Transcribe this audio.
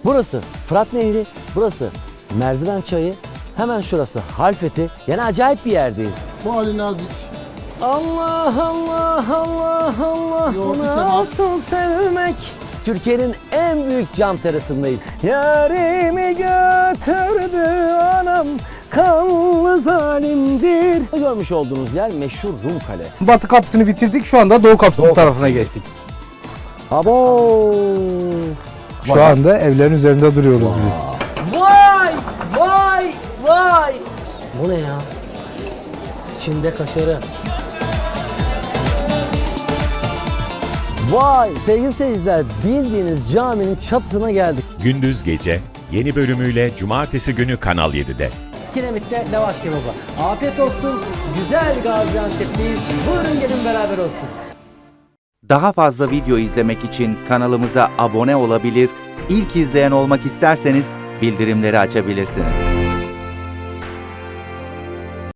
Burası Fırat Nehri, burası Merziven Çayı, hemen şurası Halfeti. Yani acayip bir yerdeyiz. Bu Ali Nazik. Allah Allah Allah Allah, Yoğurtlu bu kebap. nasıl sevmek? Türkiye'nin en büyük cam terasındayız. Yarimi götürdü anam, kanlı zalimdir. Görmüş olduğunuz yer meşhur Rum Kale. Batı kapısını bitirdik. Şu anda Doğu kapısının tarafına geçtik. Abo! Şu anda evlerin üzerinde duruyoruz biz. Vay! Vay! Vay! Bu ne ya? İçinde kaşarı. Vay! Sevgili seyirciler, bildiğiniz caminin çatısına geldik. Gündüz Gece yeni bölümüyle Cumartesi günü Kanal 7'de. Kiremitte lavaş kebabı. Afiyet olsun. Güzel Gaziantep'teyiz. Buyurun gelin beraber olsun. Daha fazla video izlemek için kanalımıza abone olabilir, ilk izleyen olmak isterseniz bildirimleri açabilirsiniz.